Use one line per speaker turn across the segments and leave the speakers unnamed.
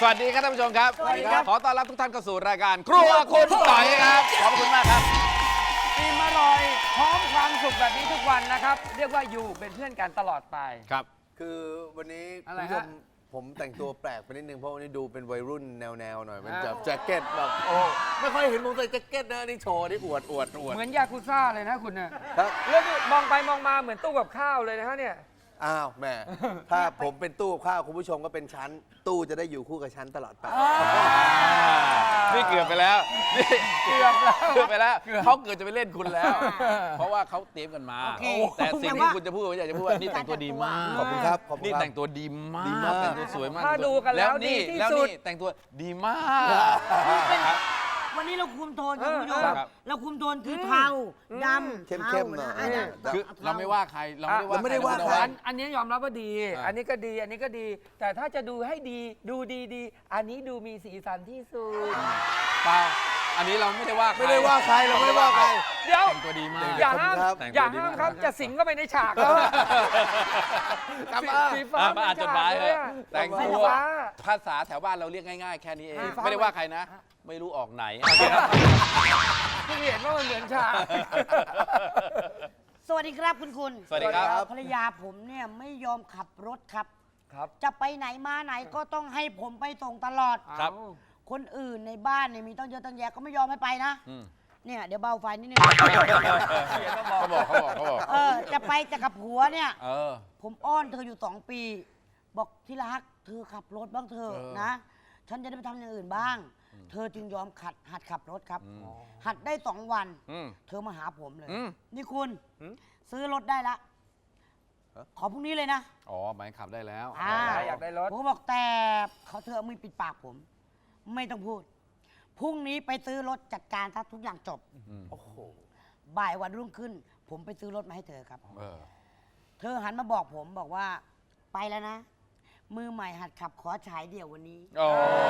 สวัสดีครับท่านผู้ชมครับ
สวัสดีครับ
ขอต้อนรับทุกท่านเข้าสู่รายการครัวคุณต่อยครับ ขอบคุณมากครับ
อิ่มอร่อยพร้อมความสุขแบบนี้ทุกวันนะครับ เรียกว่าอยู่เป็นเพื่อนกันตลอดไป
ครับ
คือวันนี้
อะไร
คุณผู้ช
ฮะ
มผมแต่งตัวแปลกไปนิดนึงเพราะวันนี้ดูเป็นวัยรุ่นแนวๆหน่อยมันจะแจ็คเก็ตแบบโอ้ไม่ค่อยเห็นผมใส่แจ็คเก็ตนะนี่โชว์นี่อวด
เหมือนยากุซ่าเลยนะคุณน่ะ
ครับ
แล้วนี่มองไปมองมาเหมือนตู้กับข้าวเลยนะฮะเนี่ย
อ้าวแหม่ถ้าผมเป็นตู้กับข้าวคุณผู้ชมก็เป็นชั้นตู้จะได้อยู่คู่กับชั้นตลอดไป
นี่เกือบไปแล้วนี่
เกือบแล้ว
เกือบไปแล้วเขาเกือบจะไปเล่นคุณแล้ว เพราะว่าเขาเตรียมกันมา
โอเค
แต่สิ่งที่คุณจะพูดผมอยากจะพูดว่านี่แต่งตัวดีมาก
ขอบคุณครับขอบคุณ
นี่
ครับ
แต่งตัวดีมาก
ดีมาก
แต่งตัวสวยมาก
ถ้าดูกันแล้ว
นี่
ดีที่
แล้ว
สุด
นี่แต่งตัวดีมาก
วันนี้เราคุมโทนครับคุณผู้ชม
ครับ
เราคุมโทนคือเทาดำ
เข้มๆหน่อย
เทาะ
คือเราไม่ว่าใครเราไม่
ไม่ได้
ได้ว่า
ว่า
ใคร
ใคร
อันนี้ยอมรับว่าดี
อ่า
อันนี้ก็ดี อันนี้ก็ดี แต่ถ้าจะดูให้ดี ดูดีๆ อันนี้ดูมีสีสันที่สุด
เปล่าอันนี้เราไม่ได้ว่าใคร
ไม่ได้ว่าใครเราไม่ได้ว่าใคร
เดี๋ยว
แต่งตัวดีมาก
อย่าห้าม
ครับ
อย่าห้ามครับ จะสิงก็ไปในฉากแล้ว
กลับมา
สีฟ้า
อ่านจดหมายเลยแต่ง
สี
ตัว
ฟ้า
ภาษาแถวบ้านเราเรียกง่ายๆ แค่นี้เอง
สีฟ้า
ไม่ได้ว่าใครนะ ไม่รู้ออกไหน
เพิ่งเห็นว่ามันเหมือนฉาก
สวัสดีครับคุณ
สวัสดีครับ
ภรรยาผมเนี่ยไม่ยอมขับรถครับ
ครับ
จะไปไหนมาไหนก็ต้องให้ผมไปส่งตลอด
ครับ
คนอื่นในบ้านเนี่ยมีตั้งเยอะตั้งแยะก็ไม่ยอมให้ไปนะ
อืม
เนี่ยเดี๋ยวเบาไฟนิดนึง
เขาบอก
จะไปแต่กับผัวเนี่ย
เออ
ผมอ้อนเธออยู่2 ปี บอกที่รักเธอขับรถบ้างเถอะ
เออ
นะ ฉันจะได้ไปทำอย่างอื่นบ้าง เธอจึงยอมหัดขับรถครับ
อืม
หัดได้2 วัน
อืม
เธอมาหาผมเลย
อืม
นี่คุณ ซื้อรถได้ละ ขอพรุ่งนี้เลยนะ
อ๋อหมายขับได้แล้ว
อ่า
อยากได้รถ
ผมก็บอกแต่เธอเอามือปิดปากผม ไม่ต้องพูด พรุ่งนี้ไปซื้อรถจัดการถ้าทุกอย่างจบ
อืม
โอ้โห
บ่ายวันรุ่งขึ้น ผมไปซื้อรถมาให้เธอครับ
เออ
เธอหันมาบอกผมบอกว่าไปแล้วนะ มือใหม่หัดขับขอฉายเดี่ยววันนี้
โอ้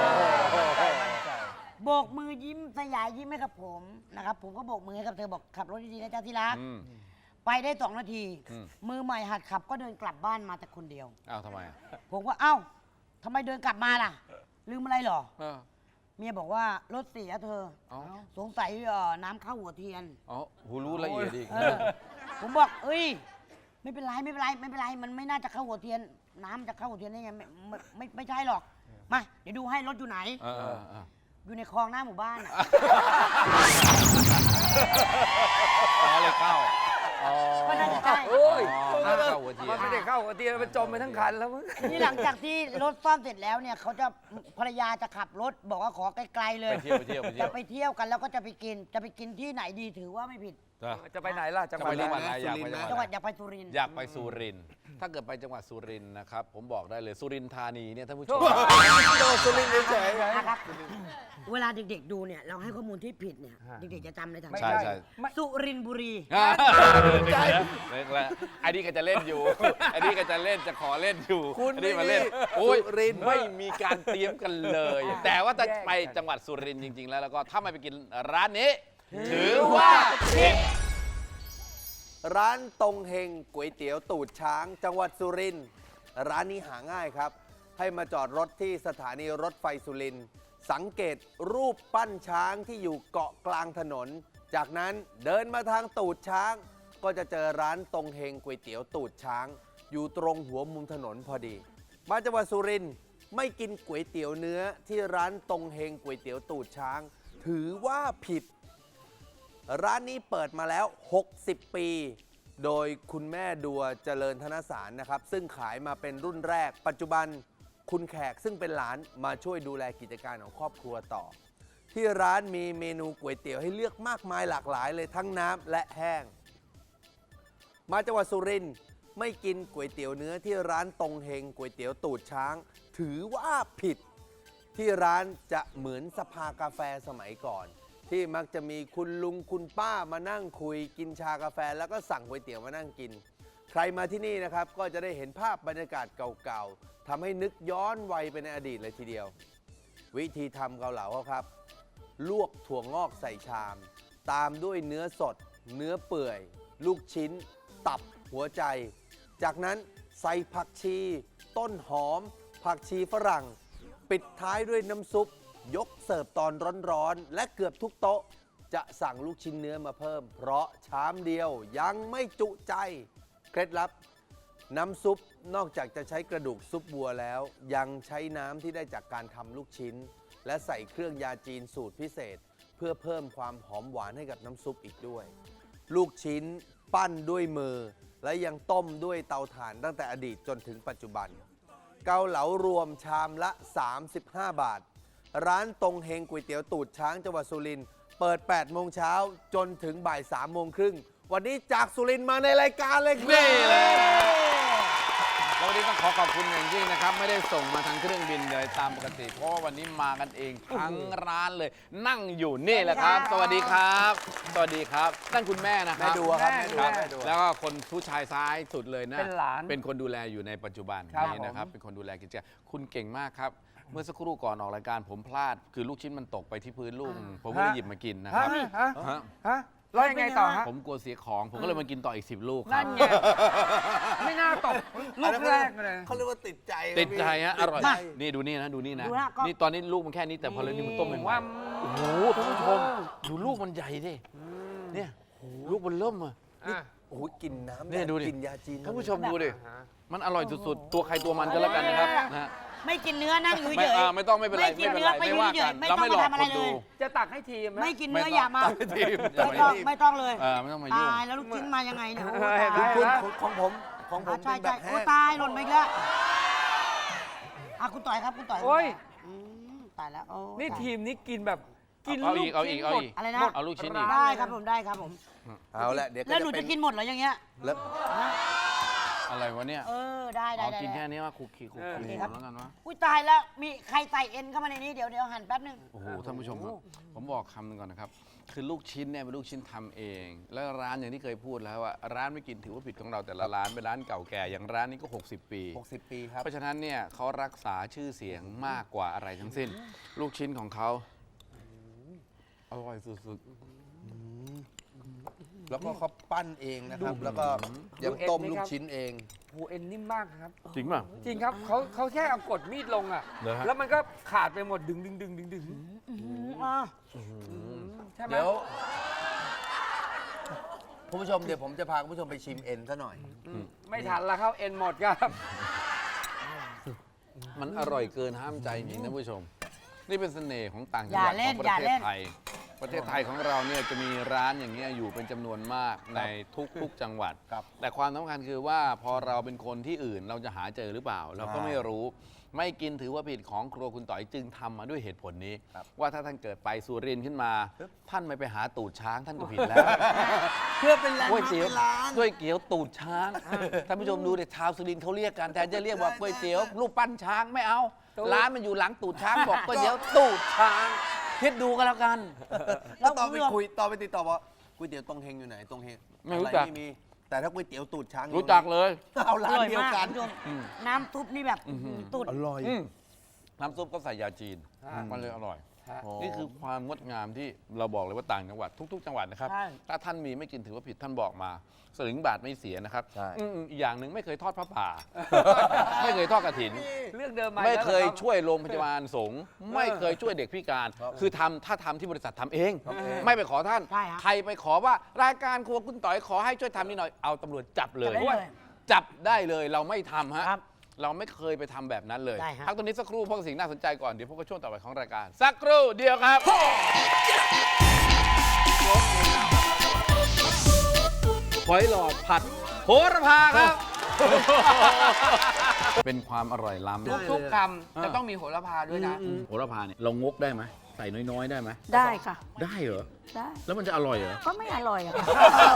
โบกมือยิ้มสยายยิ้มให้กับผมนะครับ ผมก็โบกมือให้กับเธอบอกขับรถดีๆนะจ๊ะที่รัก
อืม
ไปได้2 นาที
อืม
มือใหม่หัดขับก็เดินกลับบ้านมาแต่คนเดียว
อ้าวทำไมอ่ะ
ผมก็เอ้าทำไมเดินกลับมาล่ะ ลืมอะไรเหรอ
เออ
เมียบอกว่ารถเสียเธอ
เอ๋อ
สงสัยน้ำเข้าหัวเทียน
อ๋อหูรู้ละเอียดอีก
เออผมบอกเอ้ย ไม่เป็นไรไม่เป็นไรไม่เป็นไร มันไม่น่าจะเข้าหัวเทียน น้ำจะเข้าหัวเทียนได้ไงไม่ใช่หรอก มาเดี๋ยวดูให้รถอยู่ไหน
เออเออเออ
อยู่ในคลองหน้าหมู่บ้านอะ
อ๋อเลยเข้าอ๋อ
ก็น่าจะใช่
โอ้ย
อ๋อเข้าหัวเทีย
มัน นไม่ได้เข้าหัวเตียงมันจมไปทั้งคันแล้วมึง
นี่หลังจากที่รถซ่อมเสร็จแล้วเนี่ยเขาจะภรรยาจะขับรถบอกว่าขอไกลๆเลย
ไปเที่ยวไปเที่ยวไปเที่
จะ
ยว
ไปเที่ยวกันแล้วก็จะไปกินที่ไหนดีถือว่าไม่ผิด
จะไปไหนล่ะจังหวัด
จะไป
อะไร
จังหวัดอะไรอยากไป
จังหวัดอยากไปสุรินทร์
อยากไปสุรินทร์ถ้าเกิดไปจังหวัดสุรินทร์นะครับ ผมบอกได้เลยสุรินทร์ธานีเนี่ยท่านผู้ชม
โดนสุรินทร์เฉย
นะครับ เวลาเด็กๆดูเนี่ยเราให้ข้อมูลที่ผิดเนี่ยเด็กๆจะจำในทาง
ไม่
ใช่
ได้
ใช่
ไม่
สุรินทร์บุรี
ใจเล็กแล้วไอ้นี่ก็จะเล่นอยู่ไอ้นี่ก็จะเล่นจะขอเล่นอยู่
คุณ
ไอ้นี่มาเล่น
ไม่มี
โอ้ย
สุรินทร์
ไม่มีการเตรียมกันเลย แต่ว่าถ้าไปจังหวัดสุรินทร์จริง ๆ แล้วก็ถ้าไม่ไปกินร้านนี้ ถือว่าผิด
ร้านตรงเฮงก๋วยเตี๋ยวตูดช้าง จังหวัดสุรินทร์ร้านนี้หาง่ายครับ ให้มาจอดรถที่สถานีรถไฟสุรินทร์สังเกตรูปปั้นช้างที่อยู่เกาะกลางถนน จากนั้นเดินมาทางตูดช้าง ก็จะเจอร้านตรงเฮงก๋วยเตี๋ยวตูดช้าง อยู่ตรงหัวมุมถนนพอดี มาจังหวัดสุรินทร์ไม่กินก๋วยเตี๋ยวเนื้อที่ร้านตรงเฮงก๋วยเตี๋ยวตูดช้าง ถือว่าผิด ร้านนี้เปิดมาแล้ว 60 ปี โดยคุณแม่ดัวเจริญธนสารนะครับ ซึ่งขายมาเป็นรุ่นแรก ปัจจุบันคุณแขกซึ่งเป็นหลานมาช่วยดูแลกิจการของครอบครัวต่อ ที่ร้านมีเมนูก๋วยเตี๋ยวให้เลือกมากมายหลากหลายเลยทั้งน้ำและแห้ง มาจังหวัดสุรินทร์ไม่กินก๋วยเตี๋ยวเนื้อที่ร้านตรงเฮงก๋วยเตี๋ยวตูดช้าง ถือว่าผิด ที่ร้านจะเหมือนสภากาแฟสมัยก่อน ที่มักจะมีคุณลุงคุณป้ามานั่งคุยกินชากาแฟแล้วก็สั่งก๋วยเตี๋ยวมานั่งกิน ใครมาที่นี่นะครับก็จะได้เห็นภาพบรรยากาศเก่าๆทำให้นึกย้อนวัยไปในอดีตเลยทีเดียว วิธีทำเกาเหลาเขาครับ ลวกถั่วงอกใส่ชาม ตามด้วยเนื้อสด เนื้อเปื่อย ลูกชิ้น ตับหัวใจ จากนั้นใส่ผักชี ต้นหอม ผักชีฝรั่งปิดท้ายด้วยน้ำซุปยกเสิร์ฟตอนร้อนๆและเกือบทุกโต๊ะจะสั่งลูกชิ้นเนื้อมาเพิ่ม เพราะชามเดียวยังไม่จุใจเคล็ดลับน้ำซุปนอกจากจะใช้กระดูกซุปวัวแล้ว ยังใช้น้ำที่ได้จากการทำลูกชิ้น และใส่เครื่องยาจีนสูตรพิเศษ เพื่อเพิ่มความหอมหวานให้กับน้ำซุปอีกด้วย ลูกชิ้นปั้นด้วยมือ และยังต้มด้วยเตาถ่านตั้งแต่อดีตจนถึงปัจจุบัน เกาเหลารวมชามละ 35 บาท ร้านตรงเฮงก๋วยเตี๋ยวตูดช้างจังหวัดสุรินทร์เปิด 8 โมงเช้าจนถึงบ่าย 3 โมงครึ่ง วันนี้จากสุรินทร์มาในรายการเลยครับ
นี่เลย แล้ววันนี้ต้องขอขอบคุณอย่างยิ่งนะครับ ไม่ได้ส่งมาทางเครื่องบินเลยตามปกติ เพราะว่าวันนี้มากันเองทั้งร้านเลย นั่งอยู่นี่แหละครับ สวัสดีครับ สวัสดีครับนั่นคุณแม่นะค
แม่
รับ
ดูครับ
แม่
แม่ดู
แล้วก็คนผู้ชายซ้ายสุดเลยนะ
เป็นหลาน
เป็นคนดูแลอยู่ในปัจจุบัน
ครับ
นี้นะครับ เป็นคนดูแลกิจการคุณเก่งมากครับ เมื่อสักครู่ก่อนออกรายการผมพลาด คือลูกชิ้นมันตกไปที่พื้นลูก ผมก็เลยหยิบมากินนะค
ฮะ
รับ
ฮะ
ฮะ
ฮะแล้วยังไงต่อฮะ
ผมกลัวเสียของ ผมก็เลยมากินต่ออีก 10 ลูกค
นั่
รับ
นไงไม่น่าตกลูกแรกเลย
เขาเรียกว่าติดใจ
ติดใจฮะอร่อย
ติดใจ
นี่ดูนี่นะดูนี่นะ
ดูนะก็
นี่ตอนนี้ลูกมันแค่นี้แต่พอเลยนี่มันต้มเป็น
ว่า
โอ้โหท่านผู้ชมดูลูกมันใหญ่ดิเนี่ยลูกมันเริ่มอ่ะ
โอ้โหกินน้ำ
เนี่ยดูดิ
กินยาจีน
ท่านผู้ชมดูดิมันอร่อยสุดๆตัวใครตัวมันก็แล้วกันนะครับนะฮะ
ไม่กินเนื้อนั่งอยู่
ไม่
เฉย
ไม่ต้องไม่เป็นไร
ไม่กิน
ไม่เป็นไร
เนื้อ
ไม่ว่ากัน
ไม่
เรา
ต้อง
ไม่หลอก
มาทำอะไร
คนดู
เลย
จะตักให้ทีมไหม
ไม่กินเนื้ออย่ามา
ไม่ทีมอย่า
ไม่
ไป
ต้อง
ทีม
ไม่ต้องเลย
ไม่ต้องมายุ่ง
ตายแล้วลูกชิ้นมายังไงเนี่ยโอ้
เออ
ตาย
คุณของผมเป็
ใช่
นแบ
ใช่
บ
โอ้
แห้ง
ตายหล่นไปอีกแล้วคุณต่อยครับคุณต่อย
โอ้ย
ตายแล้วโอ้
นี่
ตาย
ทีมนี้กินแบบกิน
เอา
ลู
อี
ก
กเอาอีก
ชิ้น
เอา
หมด
อีก
อะไรนะ
เอาลูกชิ้นอีก
ได้ครับผมได้ครับผม
เอาละเดี๋ยวก็
แล้วหนู
เป็
จะกินหมดเหรออย่างเงี้ย
แล้ว
ฮะ
อะไรวะเนี่ย
ได้
เอา
ได้
กิน
ได้
แค่นี้ว่าคุกคีคุกคีแล้วกันวะ
อุ้ยตายแล้วมีใครใส่เอ็นเข้ามาในนี้เดี๋ยวหั่นแป๊บนึง
โอ้โหท่านผู้ชมครับผมบอกคำหนึงก่อนนะครับ คือลูกชิ้นเนี่ยเป็นลูกชิ้นทำเอง แล้วร้านอย่างที่เคยพูดแล้วว่าร้านไม่กินถือว่าผิดของเราแต่ละร้านเป็นร้านเก่าแก่อย่างร้านนี้ก็ 60 ปี
60 ปีครับ
เพราะฉะนั้นเนี่ยเขารักษาชื่อเสียงมากกว่าอะไรทั้งสิ้น ลูกชิ้นของเขาอร่อยสุด
แล้วก็เขาปั้นเองนะครับ แล้วก็ยังต้มลูกชิ้นเอง
โอ้เอ็นนิ่มมากครับ
ๆจริงป่ะ
จริงครับเขาแค่เอากดมีดลงอ่ะ
เหรอฮะ
แล้วมันก็ขาดไปหมดดึงใช่ไหม
เดี๋ยวคุณผู้ชมเดี๋ยวผมจะพาคุณผู้ชมไปชิมเอ็นซะหน่อย
ไม่ทันละครับเอ็นหมดครับ
มันอร่อยเกินห้ามใจจริงๆท่านผู้ชม นี่เป็นเสน่ห์ของต่างจัง
อ
ห
ย่า
วัด
เล่
ขอน งประ
อย่า
เท
เล่
ศ
น
ไทย ประเทศไทยของเราเนี่ยจะมีร้านอย่างเงี้ยอยู่เป็นจำนวนมากในทุกๆจังหวัด
ครับ
แต่ความสำคัญคือว่าพอเราเป็นคนที่อื่นเราจะหาเจอหรือเปล่า เราก็ไม่รู้ ไม่กินถือว่าผิดของครัวคุณต่อยจึงทำมาด้วยเหตุผลนี้ ว่าถ้าท่านเกิดไปสุรินทร์ขึ้นมา ท่านไม่ไปหาตูดช้างท่านก็ผิดแล้ว
เพื่อเป็นแรง
ก๋วยเตี๋ยว
เป็นร้าน
ก๋วยเตี๋ยวตูดช้างท่านผู้ชมดูเด็กชาวสุรินทร์เขาเรียกกันแทนจะเรียกว่าก๋วยเตี๋ยวรูปปั้นช้างไม่เอา
ตูด
ร้านมันอยู่หลังตูดช้างบอกก๋วยเตี๋ยวตูดช้างคิดดูกันแล้วกัน
แล้วตอนไปคุยตอนไปติดต่อว่าก๋วยเตี๋ยวตรงเฮงอยู่ไหนตรงเฮง
ไม่รู้จัก
อะไม่มี แต่ถ้าก๋วยเตี๋ยวตูดช้างอยู่
รู้จักเลย
เอา
อ
ร้าน
ร่อย
เดียว
มาก
กัน
คุณผู้ชมน้ำซุปนี่แบบตุด
อร่อย
น้ำซุปก็ใส่ยาจีน มันเลยอร่อย นี่คือความงดงามที่เราบอกเลยว่าต่างจังหวัดทุก ๆ จังหวัดนะครับ
ใช่
ถ้าท่านมีไม่กินถือว่าผิดท่านบอกมาสลึงบาทไม่เสียนะครับ
ใช่
อีกอย่างหนึ่งไม่เคยทอดพระป่า ไม่เคยทอดกระถิน
เรื่องเดิมมา
ไม่
แล้ว
เคย
หรอรับ
ช่วยโรงพยาบาลสงฆ์ไม่เคยช่วยเด็กพิการ คือถ้าทำที่บริษัททำเอง ไม่ไปขอท่าน
ใช่ฮะ
ใครไปขอว่ารายการครัวคุณต่อยขอให้ช่วยทำนี่หน่อยเอาตำรวจจับเลย
จับได้เลย
จับได้เลยเราไม่ทำฮะ
ครับ
เราไม่เคยไปทำแบบนั้นเลย
ได้ฮะ
พักตรงนี้สักครู่เพราะสิ่งน่าสนใจก่อนเดี๋ยวพบกับช่วงต่อไปของรายการ สักครู่เดียวครับหอยหลอดผัดโหระพาครับ เป็นความอร่อยล้ำ
ทุกๆคำจะต้องมีโหระพาด้วยนะ
โหระพาเนี่ยเรางกได้ไหมใส่น้อยๆได้ไหม
ได้ค่ะ
ได้เหรอ
ได้
แล้วมันจะอร่อยเหรอ
ก็ไม่อร่อยอะค่ะ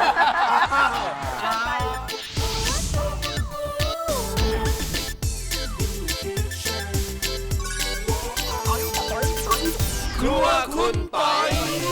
ครัวคุณปอย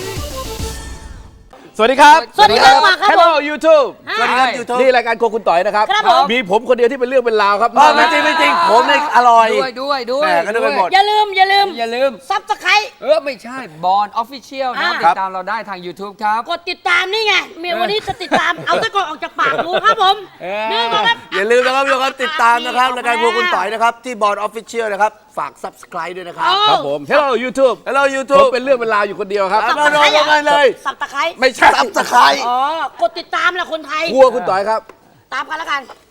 สวัสดีครับ
สวัสดีครับครับ
Hello YouTube
สวัสดีครับ YouTube
นี่รายการครัวคุณต่อยนะครับ
ครับผม
มีผมคนเดียวที่เป็นเรื่องเป็นราวครับ
ไม่จริงไม่จริงผมเนี่ยอร่อย
ด้วย
แหม่ก็นึกไปหมด
อย่าลืม
อย่าลืม
ซับสไคร
ไม่ใช่บอลออฟฟิเชียลนะ
อ่า
ติดตามเราได้ทาง YouTube ครับ
กดติดตามนี่ไงเมียวันนี้จะติดตาม เอาตะกอนออกจากปากรู้ครับผม
เออ
นี่ก่อนครับ
อย่าลืมนะครับทุกคนติดตามนะครับรายการครัวคุณต่อยนะครับที่บอร์ดออฟฟิเชียลนะครับฝาก subscribe ด้วยนะครับ
ครับผม Hello YouTube
Hello
ผม
YouTube
เป็นเรื่องเป็นราวอยู่คนเดียวครับ
มาลงกันเลย
สับตะไคร้
ไม่ใช่
subscribe
อ๋อกดติดตามแหละคนไทย
ครัวคุณต่อยครับ
ตามกันแล้วกัน